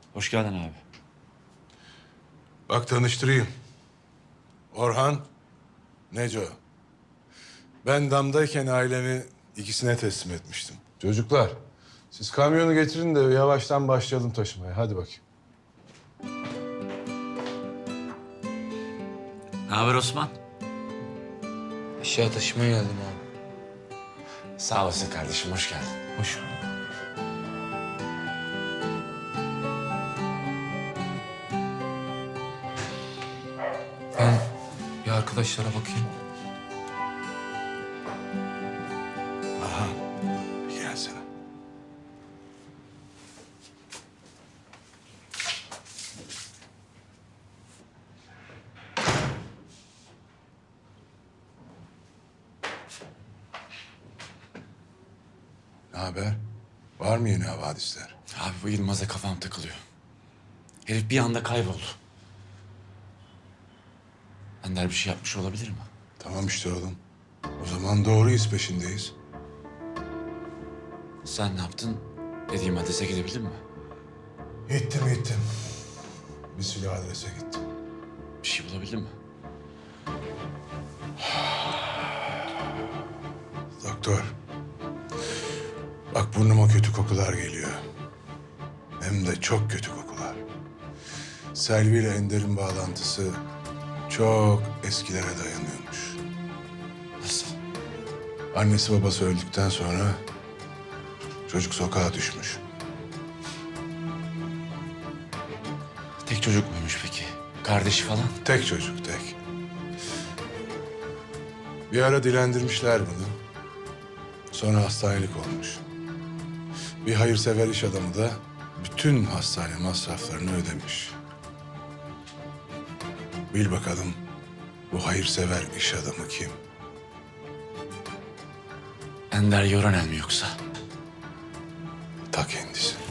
Hoş geldin abi. Bak tanıştırayım. Orhan, Neco. Ben damdayken ailemi ikisine teslim etmiştim. Çocuklar, siz kamyonu getirin de yavaştan başlayalım taşımaya. Hadi bakayım. Ne haber Osman? Eşya taşımaya geldim abi. Sağ olasın kardeşim, hoş geldin. Hoş bulduk. Ben bir arkadaşlara bakayım. Bir gelsene. Ne haber? Var mı yeni havadisler? Abi bu Yılmaz'a kafam takılıyor. Herif bir anda kayboldu. Ender bir şey yapmış olabilir mi? Tamam işte oğlum. O zaman doğru iz peşindeyiz. Sen ne yaptın? Dediğim adrese gidebildin mi? Gittim. Bir silah adrese gittim. Bir şey bulabildin mi? Doktor. Bak burnuma kötü kokular geliyor. Hem de çok kötü kokular. Selvi ile Ender'in bağlantısı çok eskilere dayanıyormuş. Nasıl? Annesi babası öldükten sonra çocuk sokağa düşmüş. Tek çocuk muymuş peki? Kardeşi falan? Tek çocuk, tek. Bir ara dilendirmişler bunu. Sonra hastanelik olmuş. Bir hayırsever iş adamı da bütün hastane masraflarını ödemiş. Bil bakalım bu hayırsever iş adamı kim? Ender Yoranel mi yoksa? Ta kendisi.